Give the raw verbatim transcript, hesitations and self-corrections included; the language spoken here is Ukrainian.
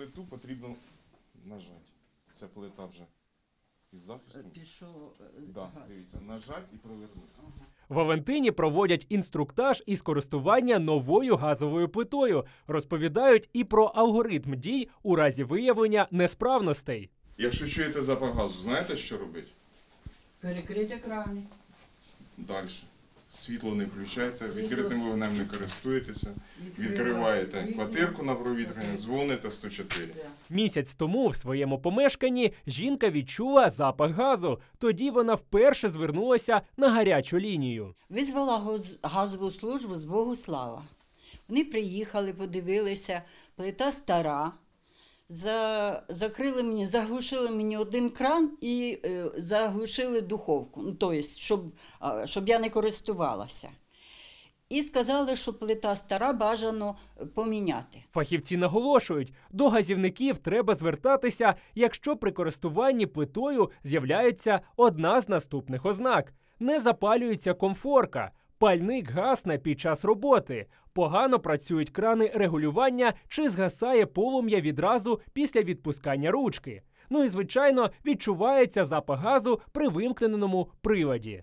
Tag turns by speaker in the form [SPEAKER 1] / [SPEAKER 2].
[SPEAKER 1] плиту потрібно нажати. Це плита вже із захистом.
[SPEAKER 2] Пішов
[SPEAKER 1] Да,
[SPEAKER 2] газ.
[SPEAKER 1] дивіться, нажати і провернути.
[SPEAKER 3] В Авентині проводять інструктаж із користування новою газовою плитою. Розповідають і про алгоритм дій у разі виявлення несправностей.
[SPEAKER 1] Якщо чуєте запах газу, знаєте, що робити?
[SPEAKER 2] Перекрити крани.
[SPEAKER 1] Далі. Світло не включайте,
[SPEAKER 2] Світло.
[SPEAKER 1] відкритим вогнем не користуєтеся, відкриваєте квартирку на провітряння, дзвоните сто чотири.
[SPEAKER 2] Да.
[SPEAKER 3] Місяць тому в своєму помешканні жінка відчула запах газу. Тоді вона вперше звернулася на гарячу лінію.
[SPEAKER 2] Визвала газ- газову службу з Богуслава. Вони приїхали, подивилися, плита стара. За, закрили мені, заглушили мені один кран і е, заглушили духовку, ну, тобто, щоб, а, щоб я не користувалася. І сказали, що плита стара, бажано поміняти.
[SPEAKER 3] Фахівці наголошують, до газівників треба звертатися, якщо при користуванні плитою з'являється одна з наступних ознак. Не запалюється комфорка, пальник гасне під час роботи, погано працюють крани регулювання чи згасає полум'я відразу після відпускання ручки. Ну і, звичайно, відчувається запах газу при вимкненому приладі.